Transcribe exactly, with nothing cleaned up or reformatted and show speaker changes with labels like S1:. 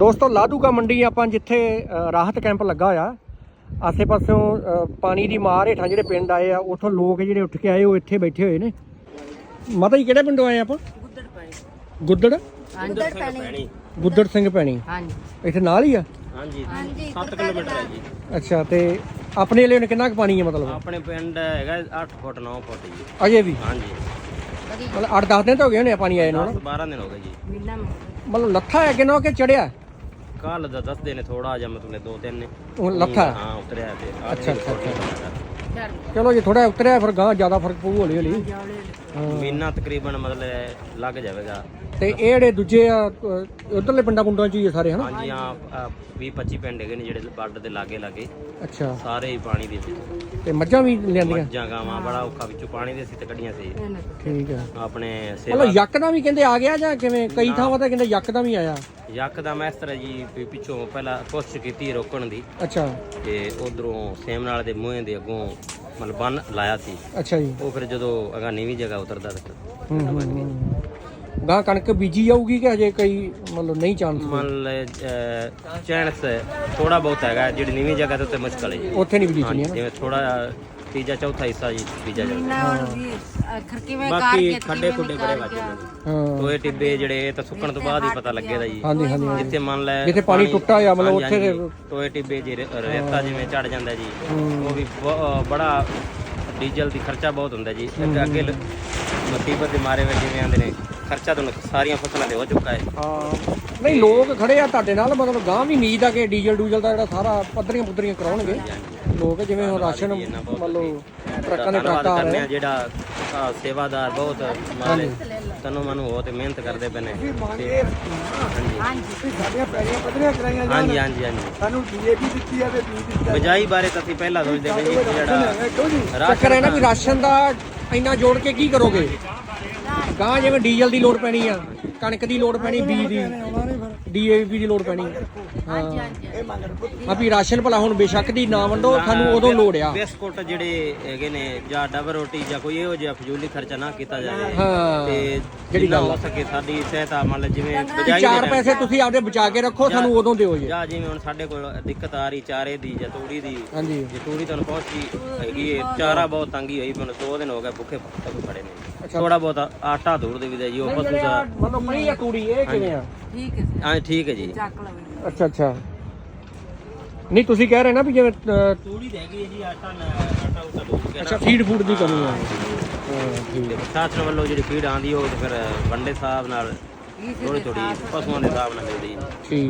S1: ਦੋਸਤੋ ਲਾਧੂਕਾ ਮੰਡੀ ਆਪਾਂ ਜਿੱਥੇ ਰਾਹਤ ਕੈਂਪ ਲੱਗਾ ਹੋਇਆ ਆਸੇ ਪਾਸਿਓਂ ਪਾਣੀ ਦੀ ਮਾਰ ਹੇਠਾਂ ਜਿਹੜੇ ਪਿੰਡ ਆਏ ਆ ਉੱਥੋਂ ਲੋਕ ਜਿਹੜੇ ਉੱਠ ਕੇ ਆਏ ਉਹ ਇੱਥੇ ਬੈਠੇ ਹੋਏ ਨੇ। ਮਾਤਾ ਜੀ ਕਿਹੜੇ ਪਿੰਡੋਂ ਆਏ ਆਪਾਂ? ਗੁੱਦੜ ਪੈਣੀ। ਗੁੱਦੜ
S2: ਹਾਂਜੀ
S1: ਗੁੱਦੜ ਸਿੰਘ ਪੈਣੀ।
S2: ਹਾਂਜੀ
S1: ਇੱਥੇ ਨਾਲ ਹੀ ਆ?
S3: ਹਾਂਜੀ ਸੱਤ ਕਿਲੋਮੀਟਰ ਹੈ ਜੀ।
S1: ਅੱਛਾ ਤੇ ਆਪਣੇ ਲਈ ਕਿੰਨਾ ਕੁ ਪਾਣੀ ਹੈ ਮਤਲਬ?
S3: ਆਪਣੇ ਪਿੰਡ ਹੈਗਾ ਅੱਠ ਫੁੱਟ ਨੌ ਫੁੱਟ ਜੀ
S1: ਅਜੇ ਵੀ?
S3: ਹਾਂਜੀ
S1: ਮਤਲਬ ਅੱਠ ਦਸ ਦਿਨ ਤਾਂ ਹੋ ਗਏ ਹੋਣੇ ਪਾਣੀ ਆਏ ਨੂੰ?
S3: ਬਾਰਾਂ ਦਿਨ ਹੋ ਗਏ ਜੀ।
S1: ਮਤਲਬ ਲੱਥਾ ਹੈ ਕਿਨੋਂ ਕਿ ਚੜਿਆ?
S3: ਕੱਲ ਦਾ ਦੱਸਦੇ ਨੇ ਥੋੜਾ ਜਿਹਾ ਮਤਲਬ ਦੋ ਤਿੰਨ ਨੇ
S1: ਉਹ ਲੱਥਾ?
S3: ਹਾਂ ਉਤਰਿਆ ਤੇ
S1: ਅੱਛਾ ਅੱਛਾ ਅੱਛਾ ਚਲੋ ਜੇ ਥੋੜਾ ਉਤਰਿਆ ਫਿਰ ਗਾਂ ਜ਼ਿਆਦਾ ਫਰਕ ਪਊ ਹੌਲੀ ਹੌਲੀ।
S3: ਮਹੀਨਾ ਤਕਰੀਬਨ ਮਤਲਬ ਲੱਗ ਜਾਵੇਗਾ।
S1: ਤੇ ਇਹ ਜਿਹੜੇ ਦੂਜੇ ਆ ਉਧਰਲੇ ਪਿੰਡਾਂ ਪੁੰਡਾਂ ਚ ਹੀ ਆ ਸਾਰੇ ਹਨਾ?
S3: ਹਾਂਜੀ ਹਾਂ ਵੀਹ ਪੱਚੀ ਪਿੰਡ ਹੈਗੇ ਨੇ ਜਿਹੜੇ ਬਾਰਡਰ ਦੇ ਲਾਗੇ ਲਾਗੇ।
S1: ਅੱਛਾ
S3: ਸਾਰੇ ਹੀ ਪਾਣੀ ਦੇ ਵਿੱਚ।
S1: ਤੇ ਮੱਝਾਂ ਵੀ ਲਿਆਂਦੀਆਂ?
S3: ਮੱਝਾਂ ਗਾਵਾਂ ਬੜਾ ਔਖਾ ਵਿੱਚੋਂ ਪਾਣੀ ਦੇ ਸੀ ਤੇ ਕੱਢੀਆਂ ਸੀ।
S1: ਠੀਕ ਹੈ।
S3: ਆਪਣੇ
S1: ਮਤਲਬ ਯਕਦਮ ਵੀ ਕਹਿੰਦੇ ਆ ਗਿਆ ਜਾਂ ਕਿਵੇਂ? ਕਈ ਥਾਵਾਂ ਤੇ ਕਹਿੰਦੇ ਯਕਦਮ ਹੀ ਆਇਆ।
S3: ਯਕਦਮ ਇਸ ਤਰ੍ਹਾਂ ਜੀ ਵੀ ਪਿੱਛੋਂ ਪਹਿਲਾਂ ਕੋਸ਼ਿਸ਼ ਕੀਤੀ ਰੋਕਣ ਦੀ।
S1: ਅੱਛਾ।
S3: ਤੇ ਉਧਰੋਂ ਸੇਮ ਨਾਲ ਦੇ ਮੂੰਹ ਦੇ ਅੱਗੋਂ ਮਤਲਬ ਬੰਨ ਲਾਇਆ ਸੀ।
S1: ਅੱਛਾ ਜੀ।
S3: ਉਹ ਫਿਰ ਜਦੋਂ ਅਗਾ ਨੀਵੀਂ ਜਗ੍ਹਾ ਉਤਰਦਾ
S1: ਹੂੰ ਗਾਂ ਕਣਕ ਬੀਜੀ ਜਾਊਗੀ ਕਿ ਹਜੇ ਕਈ ਮਤਲਬ ਨਹੀਂ ਚਾਂਸ?
S3: ਮਤਲਬ ਚਾਂਸ ਥੋੜਾ ਬਹੁਤ ਹੈਗਾ ਜਿਹੜੀ ਨੀਵੀਂ ਜਗ੍ਹਾ ਤੇ ਉੱਤੇ ਮੁਸ਼ਕਲ ਹੈ ਜੀ।
S1: ਉੱਥੇ ਨਹੀਂ ਬੀਜਣੀ ਹੈ
S3: ਜਿਵੇਂ ਥੋੜਾ ਤੀਜਾ ਚੌਥਾ ਹਿੱਸਾ ਜੀ ਬੀਜਾ ਜਾਂਦਾ।
S2: ਬਾਕੀ
S3: ਖੱਡੇ ਖੁੱਡੇ ਬੜੇ ਵੱਜ ਜਾਂਦੇ
S1: ਹਾਂ।
S3: ਟੋਏ ਟਿੱਬੇ ਜਿਹੜੇ ਇਹ ਤਾਂ ਸੁੱਕਣ ਤੋਂ ਬਾਅਦ ਹੀ ਪਤਾ ਲੱਗੇਗਾ ਜੀ।
S1: ਹਾਂਜੀ ਹਾਂਜੀ।
S3: ਜਿੱਥੇ ਮੰਨ ਲੈ
S1: ਜਿੱਥੇ ਪਾਣੀ ਟੁੱਟਾ ਆ ਮਤਲਬ ਉੱਥੇ ਦੇ
S3: ਟੋਏ ਟਿੱਬੇ ਜੀ ਰੇਤਾ ਜਿਵੇਂ ਚੜ ਜਾਂਦਾ ਜੀ। ਉਹ ਵੀ ਬ- ਬੜਾ ਡੀਜ਼ਲ ਦੀ ਖਰਚਾ ਬਹੁਤ ਹੁੰਦਾ ਜੀ। ਅੱਗੇ ਮੁਸੀਬਤ ਦੇ ਮਾਰੇ ਵਿੱਚ ਜਿਵੇਂ ਆਂਦੇ ਨੇ ਖਰਚਾ ਤਾਂ ਸਾਰੀਆਂ ਫਸਲਾਂ ਤੇ ਹੋ ਚੁੱਕਾ ਹੈ।
S1: ਹਾਂ ਨਹੀਂ ਲੋਕ ਖੜੇ ਆ ਤੁਹਾਡੇ ਨਾਲ ਮਤਲਬ ਗਾਂ ਵੀ ਉਮੀਦ ਆ ਕਿ ਡੀਜ਼ਲ ਡੂਜ਼ਲ ਦਾ ਜਿਹੜਾ ਸਾਰਾ ਪੱਧਰੀਆਂ ਪੁੱਧਰੀਆਂ ਕਰਾਉਣਗੇ ਲੋਕ ਜਿਵੇਂ ਹੁਣ ਰਾਸ਼ਨ ਮਤਲਬ ਟਰੱਕਾਂ ਦੇ ਟਰੱਕ ਆ ਰਹੇ
S3: ਜਿਹੜਾ ਸੇਵਾਦਾਰ ਬਹੁਤ ਮਾਲੇ ਤਨੋਂ ਮਨੂੰ ਹੋ ਤੇ ਮਿਹਨਤ ਕਰਦੇ ਪਏ ਨੇ।
S1: ਸਾਡੀਆਂ ਪੈੜੀਆਂ ਪੱਧਰੀਆਂ ਕਰਾਈਆਂ ਜਾਣ।
S3: ਹਾਂਜੀ ਹਾਂਜੀ ਹਾਂਜੀ
S1: ਸਾਨੂੰ ਡੀਏਪੀ ਦਿੱਤੀ ਆ ਤੇ ਬੀਜ ਦਿੱਤਾ।
S3: ਬਿਜਾਈ ਬਾਰੇ ਤਾਂ ਅਸੀਂ ਪਹਿਲਾਂ ਸੋਚਦੇ ਪਏ ਜੀ ਜਿਹੜਾ
S1: ਚੱਕਰ ਹੈ ਨਾ ਵੀ ਰਾਸ਼ਨ ਦਾ ਇੰਨਾ ਜੋੜ ਕੇ ਕੀ ਕਰੋਗੇ? ਗਾਂ ਜਿਵੇਂ ਡੀਜ਼ਲ ਦੀ ਲੋੜ ਪੈਣੀ ਆ, ਕਣਕ ਦੀ ਲੋੜ ਪੈਣੀ, ਬੀਜ ਦੀ, ਡੀਏਪੀ ਦੀ ਲੋੜ ਪੈਣੀ। ਹਾਂ ਆ ਵੀ ਰਾਸ਼ਨ ਭਲਾ ਹੁਣ ਬੇਸ਼ੱਕ ਦੀ ਨਾ ਵੰਡੋ ਸਾਨੂੰ ਉਦੋਂ ਲੋੜ ਆ।
S3: ਬਿਸਕੁਟ ਜਿਹੜੇ ਹੈਗੇ ਨੇ ਜਾਂ ਡਬਲ ਰੋਟੀ ਜਾਂ ਕੋਈ ਇਹੋ ਜਿਹਾ ਫਜ਼ੂਲੀ ਖਰਚਾ ਨਾ ਕੀਤਾ ਜਾਵੇ।
S1: ਹਾਂ
S3: ਤੇ ਜਿਹੜੀ ਗੱਲ ਹੋ ਸਕੇ ਸਾਡੀ ਸਹਾਇਤਾ ਮੰਨ ਲਓ ਜਿਵੇਂ ਬਿਜਾਈ
S1: ਚਾਰ ਪੈਸੇ ਤੁਸੀਂ ਆਪਦੇ ਬਚਾ ਕੇ ਰੱਖੋ ਸਾਨੂੰ ਉਦੋਂ ਦਿਓ ਜੀ।
S3: ਜਾਂ ਜਿਵੇਂ ਹੁਣ ਸਾਡੇ ਕੋਲ ਦਿੱਕਤ ਆ ਰਹੀ ਚਾਰੇ ਦੀ ਜਾਂ ਤੂੜੀ ਦੀ।
S1: ਹਾਂਜੀ
S3: ਜੇ ਤੂੜੀ ਤੁਹਾਨੂੰ ਪਹੁੰਚੀ ਹੈਗੀ ਹੈ ਚਾਰਾ ਬਹੁਤ ਤੰਗੀ ਹੋਈ ਮੈਨੂੰ ਦੋ ਦਿਨ ਹੋ ਗਏ ਭੁੱਖੇ ਖੜੇ ਨੇ। ਥੋੜਾ ਬਹੁਤ ਆਟਾ ਧੂੜ ਦੇ ਵੀ ਜੀ ਉਹ ਪਸ਼ੂ ਦਾ
S1: ਮਤਲਬ ਮਣੀ ਆ ਤੂੜੀ ਇਹ ਕਿਵੇਂ ਆ?
S2: ਠੀਕ ਹੈ
S3: ਹਾਂ ਠੀਕ ਹੈ ਜੀ।
S1: ਅੱਛਾ ਅੱਛਾ ਨਹੀਂ ਤੁਸੀਂ ਕਹਿ ਰਹੇ ਨਾ ਵੀ ਜਿਵੇਂ
S3: ਤੂੜੀ ਦੇ ਹੈਗੀ ਹੈ ਜੀ ਆਟਾ ਆਟਾ ਉਟਾ ਧੂੜ ਕੇ।
S1: ਅੱਛਾ ਫੀਡ ਫੂਡ ਦੀ ਕਮੀ ਆ।
S3: ਹਾਂ ਠੀਕ ਹੈ। ਪ੍ਰਸ਼ਾਸਨ ਵੱਲੋਂ ਜਿਹੜੀ ਫੀਡ ਆਉਂਦੀ ਉਹ ਫਿਰ ਵੰਡੇ ਸਾਹਿਬ ਨਾਲ ਥੋੜੀ ਥੋੜੀ ਪਸ਼ੂਆਂ ਦੇ ਹਿਸਾਬ ਨਾਲ ਮਿਲਦੀ।
S1: ਠੀਕ।